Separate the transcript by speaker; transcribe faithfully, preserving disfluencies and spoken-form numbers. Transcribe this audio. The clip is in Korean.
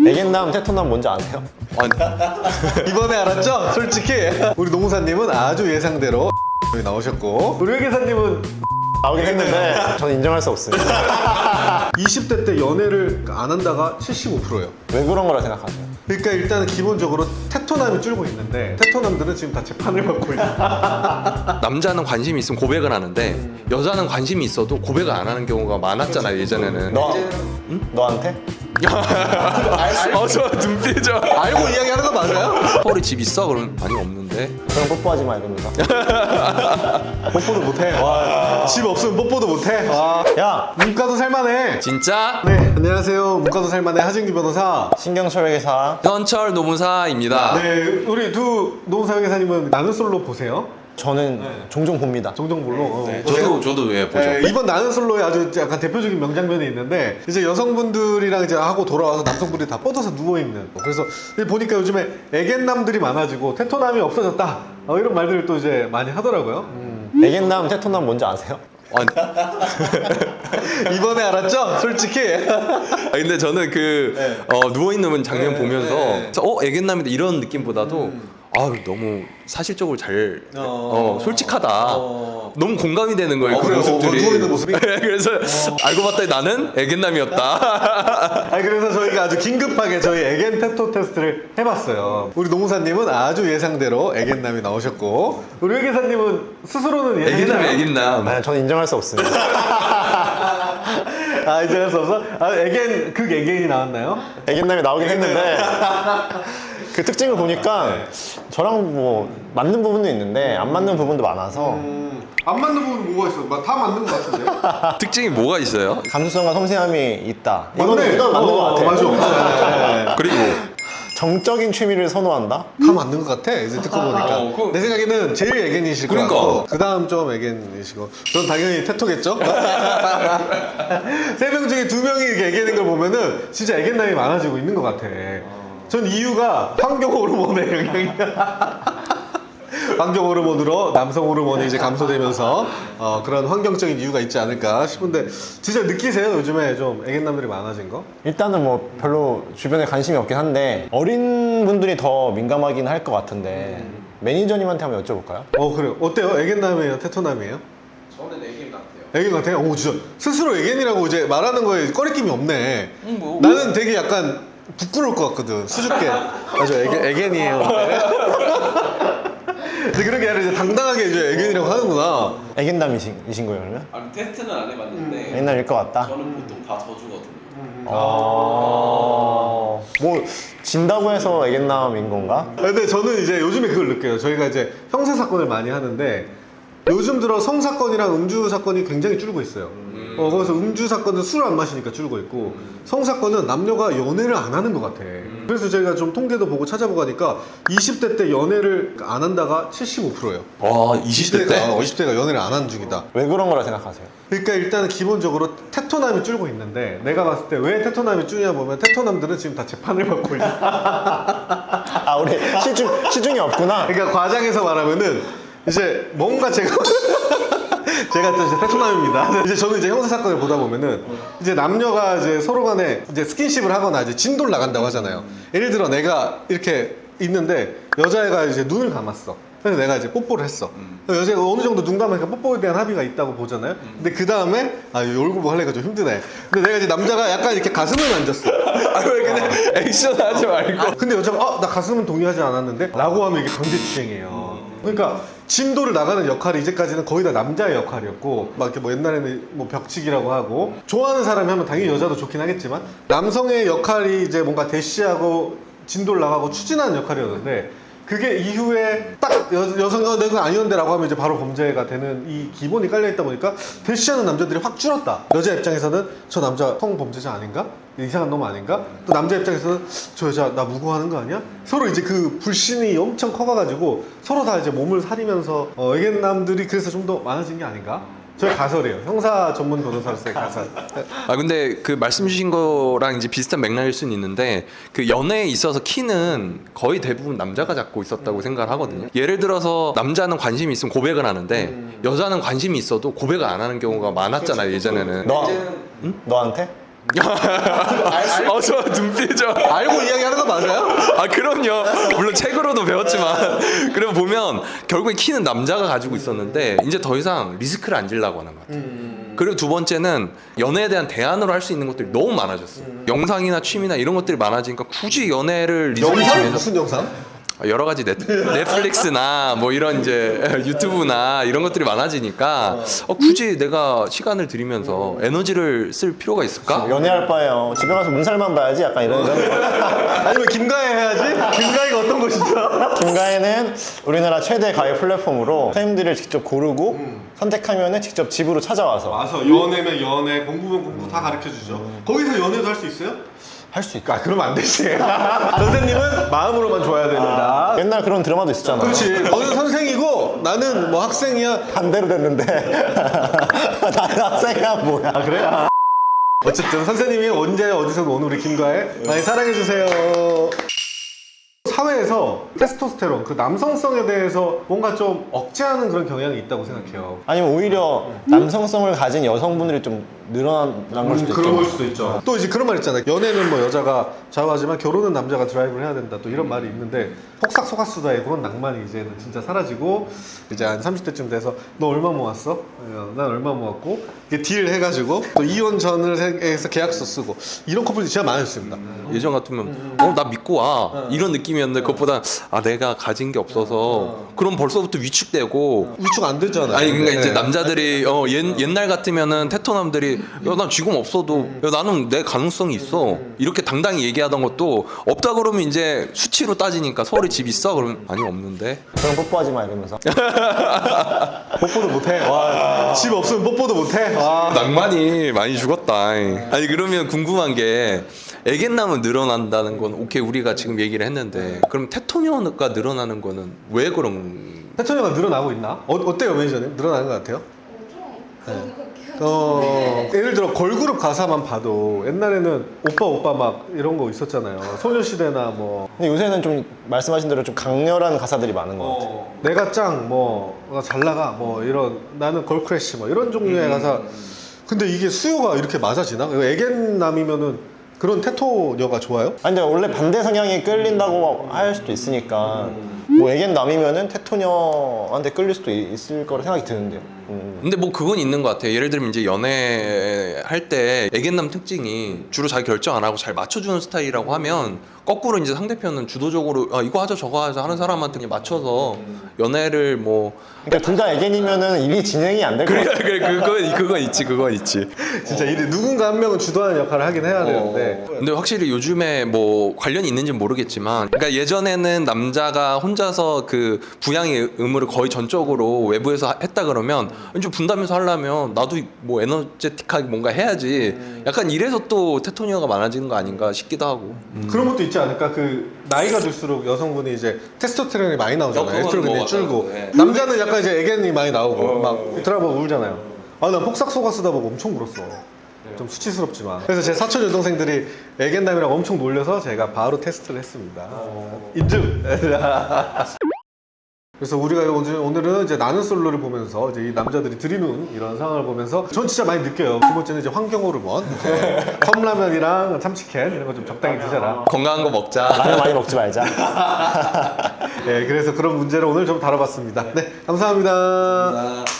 Speaker 1: 애견남, 테토남 뭔지 아세요?
Speaker 2: 이번에 알았죠? 솔직히 우리 노무사님은 아주 예상대로 여기 나오셨고, 우리 회계사님은
Speaker 1: 나오긴 했는데 저는 인정할 수 없습니다.
Speaker 2: 이십 대 때 연애를 안 한다가 칠십오 퍼센트예요.
Speaker 1: 왜 그런 거라 생각하세요?
Speaker 2: 그러니까 일단 기본적으로 테토남이 줄고 있는데, 테토남들은 지금 다 재판을 받고 있어요.
Speaker 3: 남자는 관심이 있으면 고백을 하는데 여자는 관심이 있어도 고백을 안 하는 경우가 많았잖아요 예전에는.
Speaker 1: 너, 응? 너한테?
Speaker 3: 어저 눈빛이죠.
Speaker 2: 알고 이야기하는 거 맞아요?
Speaker 3: 서울에 집 있어? 그러면 아니 없는데.
Speaker 1: 그럼 뽀뽀하지 마 이럽니다.
Speaker 2: 뽀뽀도 못해. 집 없으면 뽀뽀도 못해. 와.
Speaker 1: 야!
Speaker 2: 문과도 살만해.
Speaker 3: 진짜
Speaker 2: 네, 안녕하세요. 문과도 살만해 하진규 변호사.
Speaker 1: 신경철 회계사.
Speaker 3: 현철 노무사입니다.
Speaker 2: 네, 우리 두 노무사 회계사님은 나는 솔로 보세요?
Speaker 1: 저는 종종 봅니다.
Speaker 2: 종종 볼로. 어.
Speaker 3: 저도 저도 왜 보죠?
Speaker 2: 네, 이번 나는 솔로에 아주 약간 대표적인 명장면이 있는데, 이제 여성분들이랑 이제 하고 돌아와서 남성분들이 다 뻗어서 누워 있는. 그래서 보니까 요즘에 애견남들이 많아지고 테토남이 없어졌다. 어, 이런 말들을 또 이제 많이 하더라고요.
Speaker 1: 음. 애견남, 테토남 뭔지 아세요?
Speaker 3: 아니,
Speaker 2: 이번에 알았죠? 솔직히.
Speaker 3: 아, 근데 저는 그 어, 누워 있는 장면
Speaker 2: 네,
Speaker 3: 보면서
Speaker 2: 네.
Speaker 3: 어 애견남이다 이런 느낌보다도 아 너무 사실적으로 잘 어, 솔직하다.
Speaker 2: 어.
Speaker 3: 너무 공감이 되는 거예요.
Speaker 2: 어,
Speaker 3: 그
Speaker 2: 그래요?
Speaker 3: 모습들이.
Speaker 2: 어, 누워 있는 모습이?
Speaker 3: 그래서 알고 봤더니 나는 애견남이었다.
Speaker 2: 아니, 그래서 저희가 아주 긴급하게 저희 애견 테토 테스트를 해봤어요. 우리 노무사님은 아주 예상대로 애견남이 나오셨고, 우리 회계사님은 스스로는
Speaker 3: 애견남
Speaker 2: 예상대로
Speaker 3: 애견남.
Speaker 1: 아, 저는 인정할 수 없습니다.
Speaker 2: 아, 이제 할 수 없어? 아, 애견, 극 애견이 나왔나요?
Speaker 1: 애견남이 나오긴 했는데 그 특징을 보니까 저랑 뭐 맞는 부분도 있는데 안 맞는 부분도 많아서
Speaker 2: 안 맞는 부분 뭐가 있어? 다 맞는 것 같은데?
Speaker 3: 특징이 뭐가 있어요?
Speaker 1: 감수성과 섬세함이 있다. 이거는
Speaker 2: 맞네.
Speaker 1: 이건 맞는
Speaker 2: 어,
Speaker 1: 것 같아요.
Speaker 2: 맞아.
Speaker 3: 그리고
Speaker 1: 정적인 취미를 선호한다?
Speaker 2: 다 맞는 것 같아, 이제 듣고 보니까.
Speaker 3: 어, 그-
Speaker 2: 내 생각에는 제일 애견이실 것
Speaker 3: 그러니까.
Speaker 2: 같고, 그 다음 좀 애견이시고, 전 당연히 테토겠죠? 세 명 중에 두 명이 이렇게 애견인 걸 보면은 진짜 애견남이 많아지고 있는 것 같아. 전 이유가 환경 호르몬의 영향이야. 환경 호르몬으로 남성 호르몬이 이제 감소되면서 어, 그런 환경적인 이유가 있지 않을까 싶은데, 진짜 느끼세요? 요즘에 좀 애견남들이 많아진 거?
Speaker 1: 일단은 뭐 별로 주변에 관심이 없긴 한데 어린 분들이 더 민감하긴 할 것 같은데 매니저님한테 한번 여쭤볼까요?
Speaker 2: 어, 그래요. 어때요? 애견남이에요? 테토남이에요?
Speaker 3: 저는 애견 같아요.
Speaker 2: 애견 같아요? 오, 진짜 스스로 애견이라고 이제 말하는 거에 꺼리낌이 없네.
Speaker 3: 음, 뭐.
Speaker 2: 나는 되게 약간 부끄러울 것 같거든, 수줍게. 맞아, 애견, 애견이에요. 근데 그렇게 아니라 이제 당당하게 이제 애견이라고 하는구나.
Speaker 1: 애견남이신 이신 거예요 그러면?
Speaker 4: 아니 테스트는 안 해봤는데
Speaker 1: 애견남일 것 같다?
Speaker 4: 저는 보통 다 져주거든요.
Speaker 1: 어... 뭐 진다고 해서 애견남인 건가?
Speaker 2: 근데 저는 이제 요즘에 그걸 느껴요. 저희가 이제 형사 사건을 많이 하는데, 요즘 들어 성 사건이랑 음주 사건이 굉장히 줄고 있어요. 어, 거기서 음주 사건은 술을 안 마시니까 줄고 있고, 성 사건은 남녀가 연애를 안 하는 것 같아. 그래서 저희가 좀 통계도 보고 찾아보고 하니까 이십 대 때 연애를 안 한다가 칠십오 퍼센트예요.
Speaker 3: 와 이십 대 때?
Speaker 2: 어, 이십 대가 연애를 안 하는 중이다.
Speaker 1: 왜 그런 거라 생각하세요?
Speaker 2: 그러니까 일단은 기본적으로 테토남이 줄고 있는데, 내가 봤을 때 왜 테토남이 줄냐 보면 테토남들은 지금 다 재판을 받고 있어.
Speaker 1: 아 우리 시중, 시중이 없구나?
Speaker 2: 그러니까 과장해서 말하면은 이제 뭔가 제가 제가 또 이제 테토남입니다. 이제 저는 이제 형사 사건을 보다 보면은 이제 남녀가 이제 서로 간에 이제 스킨십을 하거나 이제 진도를 나간다고 하잖아요. 예를 들어 내가 이렇게 있는데 여자애가 이제 눈을 감았어. 그래서 내가 이제 뽀뽀를 했어. 여자가 어느 정도 눈 감으니까 뽀뽀에 대한 합의가 있다고 보잖아요. 근데 그 다음에 아, 이 얼굴 뭐 하려니까 좀 힘드네. 근데 내가 이제 남자가 약간 이렇게 가슴을 만졌어.
Speaker 3: 아왜 그냥 액션 하지 말고.
Speaker 2: 근데 여자가 아, 나 가슴은 동의하지 않았는데 라고 하면 이게 강제추행이에요. 그러니까 진도를 나가는 역할이 이제까지는 거의 다 남자의 역할이었고, 막 이렇게 뭐 옛날에는 뭐 벽치기라고 하고, 좋아하는 사람이 하면 당연히 여자도 좋긴 하겠지만 남성의 역할이 이제 뭔가 대시하고 진도를 나가고 추진하는 역할이었는데, 그게 이후에 딱 여, 여성이 어, 내가 아니었는데 라고 하면 이제 바로 범죄가 되는 이 기본이 깔려있다 보니까 대시하는 남자들이 확 줄었다. 여자 입장에서는 저 남자 성범죄자 아닌가? 이상한 놈 아닌가? 또 남자 입장에서는 저 여자 나 무고하는 거 아니야? 서로 이제 그 불신이 엄청 커가가지고 서로 다 이제 몸을 사리면서 어, 애견남들이 그래서 좀 더 많아진 게 아닌가? 저희 가설이에요. 형사 전문 변호사로서의 가설.
Speaker 3: 아 근데 그 말씀 주신 거랑 이제 비슷한 맥락일 수는 있는데, 그 연애에 있어서 키는 거의 대부분 남자가 잡고 있었다고 생각을 하거든요. 예를 들어서 남자는 관심이 있으면 고백을 하는데 여자는 관심이 있어도 고백을 안 하는 경우가 많았잖아요 예전에는.
Speaker 1: 너, 응? 너한테?
Speaker 3: 어, 저 눈빛이죠.
Speaker 2: 알고 이야기하는 거 맞아요?
Speaker 3: 아 그럼요. 물론 책으로도 배웠지만 그럼 보면 결국에 키는 남자가 가지고 있었는데 이제 더 이상 리스크를 안 지려고 하는 것 같아요. 그리고 두 번째는 연애에 대한 대안으로 할 수 있는 것들이 너무 많아졌어. 요 영상이나 취미나 이런 것들이 많아지니까 굳이 연애를 리스크
Speaker 2: 영상?
Speaker 3: 중에서
Speaker 2: 무슨 영상?
Speaker 3: 여러 가지 넷, 넷플릭스나 뭐 이런 이제 유튜브나 이런 것들이 많아지니까 어, 굳이 내가 시간을 들이면서 에너지를 쓸 필요가 있을까?
Speaker 1: 연애할 바에요. 집에 가서 문살만 봐야지. 약간 이런 이런.
Speaker 2: 아니면 김가혜 해야지? 김가혜가 어떤 것이죠?
Speaker 1: 김가혜는 우리나라 최대 가해 플랫폼으로 프레임들을 직접 고르고 선택하면은 직접 집으로 찾아와서
Speaker 2: 와서 연애면 연애, 공부면 공부 다 가르쳐주죠. 거기서 연애도 할 수 있어요?
Speaker 1: 할 수 있고.
Speaker 2: 아, 그러면 안 되지. 선생님은 마음으로만 좋아야 됩니다.
Speaker 1: 옛날 그런 드라마도 있었잖아.
Speaker 2: 그렇지. 너는 선생이고 나는 뭐 학생이야.
Speaker 1: 반대로 됐는데 나는 학생이야 뭐야.
Speaker 2: 아, 그래? 아. 어쨌든 선생님이 언제 어디서든 오는 우리 김가혜 많이 사랑해주세요. 사회에서 테스토스테론, 그 남성성에 대해서 뭔가 좀 억제하는 그런 경향이 있다고 생각해요.
Speaker 1: 아니면 오히려 남성성을 가진 여성분들이 좀 늘어난 걸 수도
Speaker 2: 그런
Speaker 1: 있죠.
Speaker 2: 걸 수도 있죠. 또 이제 그런 말 있잖아요. 연애는 뭐 여자가 좌우하지만 결혼은 남자가 드라이브를 해야 된다. 또 이런 말이 있는데 폭삭 속았수다의 그런 낭만이 이제는 진짜 사라지고 이제 한 삼십 대쯤 돼서 너 얼마 모았어? 어, 난 얼마 모았고 이게 딜 해가지고 또 이혼 전을 해서 계약서 쓰고 이런 커플들이 진짜 많았습니다.
Speaker 3: 예전 같으면 어 나 믿고 와 이런 느낌이었는데 그것보다 아 내가 가진 게 없어서 그럼 벌써부터 위축되고
Speaker 2: 위축 안 되잖아요.
Speaker 3: 아니 그러니까 이제
Speaker 2: 네.
Speaker 3: 남자들이 어 옛, 옛날 같으면은 테토남들이 야 난 지금 없어도 야 나는 내 가능성이 있어 이렇게 당당히 얘기하던 것도 없다 그러면 이제 수치로 따지니까 서울에 집 있어? 그러면 아니 없는데
Speaker 1: 그럼 뽀뽀하지 마 이러면서.
Speaker 2: 뽀뽀도 못해. 와, 집 없으면 뽀뽀도 못해. 와.
Speaker 3: 낭만이 많이 죽었다. 아니 그러면 궁금한 게 애견남은 늘어난다는 건 오케이 우리가 지금 얘기를 했는데 그럼 테토녀가 늘어나는 거는 왜 그런
Speaker 2: 태천이가 늘어나고 있나? 어, 어때요 매니저님? 늘어나는 것 같아요? 네. 어, 예를 들어 걸그룹 가사만 봐도 옛날에는 오빠 오빠 막 이런 거 있었잖아요. 소녀시대나 뭐
Speaker 1: 근데 요새는 좀 말씀하신 대로 좀 강렬한 가사들이 많은 것 같아요.
Speaker 2: 어, 내가 짱, 뭐, 나 잘 나가, 뭐, 이런, 나는 걸크래쉬, 뭐, 이런 종류의 가사. 근데 이게 수요가 이렇게 맞아지나? 이거 애견남이면은 그런 테토녀가 좋아요?
Speaker 1: 아니 근데 원래 반대 성향이 끌린다고 할 수도 있으니까 뭐 애견 남이면은 테토녀한테 끌릴 수도 있- 있을 거라 생각이 드는데요. 음.
Speaker 3: 근데 뭐 그건 있는 것 같아요. 예를 들면 이제 연애할 때 애견남 특징이 주로 자기 결정 안 하고 잘 맞춰주는 스타일이라고 하면 거꾸로 이제 상대편은 주도적으로 아, 이거 하자 저거 하자 하는 사람한테 그냥 맞춰서 연애를 뭐
Speaker 1: 그러니까 둘 다 애견이면은 일이 진행이 안 될 것
Speaker 3: 그래
Speaker 1: 같아요.
Speaker 3: 그래 그건 그건 있지 그건 있지.
Speaker 2: 진짜 이 누군가 한 명은 주도하는 역할을 하긴 해야 되는데.
Speaker 3: 근데 확실히 요즘에 뭐 관련이 있는지는 모르겠지만 그러니까 예전에는 남자가 혼자서 그 부양의 의무를 거의 전적으로 외부에서 하- 했다 그러면 좀 분담해서 하려면 나도 뭐 에너제틱하게 뭔가 해야지 약간 이래서 또 테토니아가 많아지는 거 아닌가 싶기도 하고.
Speaker 2: 그런 것도 있지 않을까? 그, 나이가 들수록 여성분이 이제 테스토스테론이 많이
Speaker 3: 어,
Speaker 2: 나오잖아요.
Speaker 3: 그건
Speaker 2: 에스트로겐이
Speaker 3: 뭐
Speaker 2: 줄고.
Speaker 3: 맞아요. 네.
Speaker 2: 남자는 약간 이제 애견이 많이 나오고, 막 드라마 울잖아요. 아, 나 폭삭 속아 쓰다 보고 엄청 울었어. 좀 수치스럽지만. 그래서 제 사촌 여동생들이 애견남이라고 엄청 놀려서 제가 바로 테스트를 했습니다. 인증! 그래서 우리가 오늘, 오늘은 이제 나는 솔로를 보면서 이제 이 남자들이 들이는 이런 상황을 보면서 전 진짜 많이 느껴요. 두 번째는 이제 환경 호르몬, 이제 컵라면이랑 참치캔 이런 거 좀 적당히 드셔라.
Speaker 3: 건강한 거 먹자.
Speaker 1: 라면 많이 먹지 말자.
Speaker 2: 예, 그래서 그런 문제를 오늘 좀 다뤄봤습니다. 네, 감사합니다.